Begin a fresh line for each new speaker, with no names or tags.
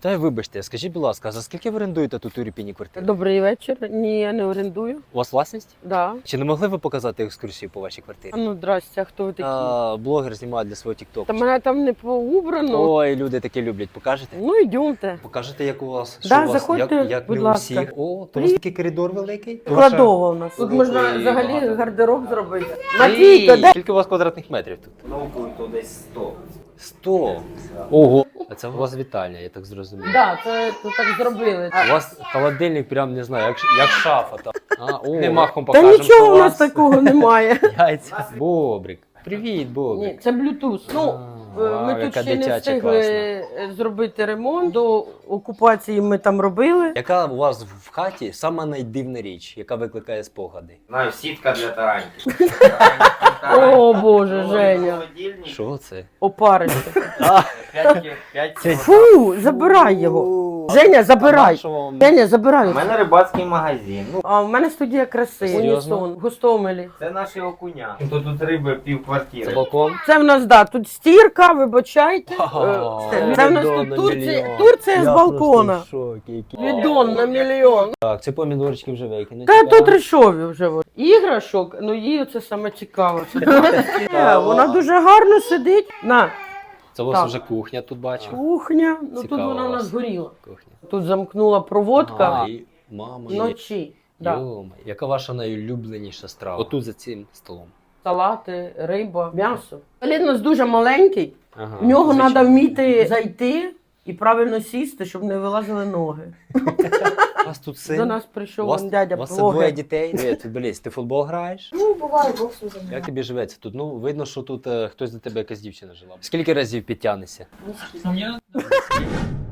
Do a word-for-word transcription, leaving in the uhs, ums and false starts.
Та й вибачте, скажіть, будь ласка, за скільки ви орендуєте тут у Ірпіні квартиру?
Добрий вечір. Ні, я не орендую.
У вас власність?
Да.
Чи не могли ви показати екскурсію по вашій квартирі?
А ну, здрасте, а хто ви такі?
А, блогер знімає для свого тіктоку.
Та мене там не поубрано.
Ой, люди такі люблять. Покажете?
Ну, йдемте.
Покажете, як у вас?
Да,
що у вас?
заходьте,
як, як
будь
не у
ласка.
всіх. О, то у вас такий коридор великий?
Кладова у нас. Тут
Ну,
можна
і
взагалі
багато.
гардероб зробити.
Ей,
Матвійко, де?
Скільки у вас квадратних метрів тут?
Ну, то десь сто.
Сто. Ого. А це у вас вітальня, я так зрозумів.
Да, це тут так зробили.
У вас холодильник прям, не знаю, як, як шафа там. А, о, не махом
Та
покажемо,
нічого
що
у нас
вас
такого немає.
яйця. Бобрик. Привіт, Бобрик.
Ні, це Bluetooth. Ну,
А,
е,
вау,
ми тут
яка
ще не
дитяча
встигли
класна.
зробити ремонт. До окупації ми там робили.
Яка у вас в хаті сама найдивна річ, яка викликає спогади?
Знаю, сітка для тараньки.
О, Боже, Женя.
Що це?
Опарище.
Це-
Фу, забирай його. Женя, забирай. Женя, забирай.
У мене рибацький магазин. Ну,
А в мене студія краси.
Серйозно?
Унісон, в Гостомелі.
це наші окуня. То тут риби пів
Це
квартири.
балкон?
Це в нас, да, тут стірка, вибачайте.
Ага.
Е, Це в нас
Відон
тут
на
Турція,
мільйон.
Турція з
Я
балкона.
просто в шокі, який.
Відон на мільйон.
Так, це помідорчики вже викинуть.
Та тут рішові вже. от. Іграшок, ну їй це саме цікаво. Е, Вона дуже гарно сидить. На,
Це у вас
Так.
вже кухня тут бачу.
кухня. Ну тут
Цікаво
вона у
у вас.
нас горіла.
Кухня.
Тут замкнула проводка
А, і мама. є.
вночі. Да.
Йома, яка ваша найулюбленіша страва? Отут за цим столом.
Салати, риба, м'ясо. Лід у нас дуже маленький.
Ага,
В нього
звичайно.
треба вміти зайти і правильно сісти, щоб не вилазили ноги.
У вас тут син?
До нас
У
прийшов
вас,
вон дядя
у вас це двоє
блогер.
дітей? Привіт, футболіст, ти в футбол граєш?
Ну, буває, боксом займаюся.
Як тобі живеться тут? Ну, видно, що тут е, хтось до тебе якась дівчина жила. Скільки разів підтягнешся?
Ні з ким.